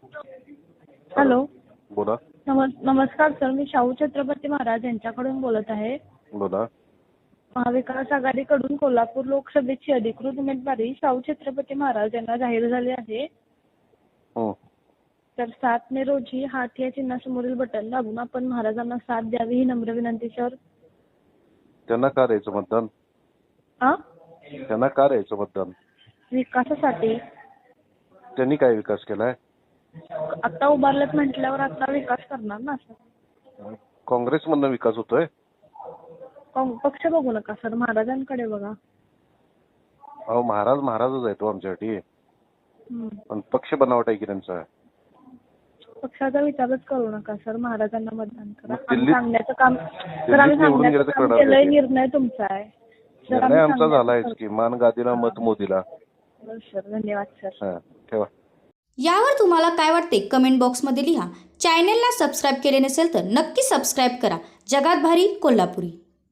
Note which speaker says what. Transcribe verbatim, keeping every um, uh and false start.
Speaker 1: Hello.
Speaker 2: बोला.
Speaker 1: नमस् नमस्कार सर, मी शाहू छत्रपती महाराज यांच्याकडून बोलत आहे.
Speaker 2: बोला.
Speaker 1: महाविकास आघाडीकडून कोल्हापूर लोकसभेची अधिकृत उमेदवारी शाहू छत्रपती महाराज यांना जाहीर झाली आहे.
Speaker 2: हं.
Speaker 1: तर सात मे रोजी हात या चिन्हासमोरील बटन दाबून आपण महाराजांना साथ द्यावी ही नम्र विनंती सर.
Speaker 2: त्यांना का द्यायचं मतदान?
Speaker 1: हा?
Speaker 2: त्यांना का द्यायचं मतदान?
Speaker 1: विकासासाठी.
Speaker 2: त्यांनी काय विकास केलाय?
Speaker 1: आता उभारलेत म्हटल्यावर आता विकास करणार ना सर.
Speaker 2: काँग्रेसमधनं विकास होतोय?
Speaker 1: काँग- पक्ष बघू नका सर, महाराजांकडे बघा.
Speaker 2: अहो महाराज महाराजच आहे तो आमच्यासाठी.
Speaker 1: हम्म.
Speaker 2: पण पक्ष बनावट आहे की त्यांचा.
Speaker 1: पक्षाचा विचारच करू नका सर, महाराजांना मतदान करा.
Speaker 2: मग
Speaker 1: आम्ही
Speaker 2: दिल्लीत-
Speaker 1: सांगण्याचं काम सर
Speaker 2: दिल्लीत
Speaker 1: आम्ही
Speaker 2: निवडून गेलं
Speaker 1: सांगण्याचं
Speaker 2: तर
Speaker 1: काम
Speaker 2: करणार
Speaker 1: केलंय.
Speaker 2: काय?
Speaker 1: निर्णय तुमचा आहे सर.
Speaker 2: निर्णय
Speaker 1: आम्ही
Speaker 2: आमचा
Speaker 1: सांगण्याचं
Speaker 2: झालाय
Speaker 1: काम-
Speaker 2: की मान गादीला मत मोदीला.
Speaker 1: बरं सर, धन्यवाद सर.
Speaker 2: हा ठेवा.
Speaker 3: यावर तुम्हाला काय वाटते कमेंट बॉक्समध्ये लिहा. चॅनेलला सबस्क्राईब केले नसेल तर नक्की सबस्क्राईब करा. जगात भारी कोल्हापुरी.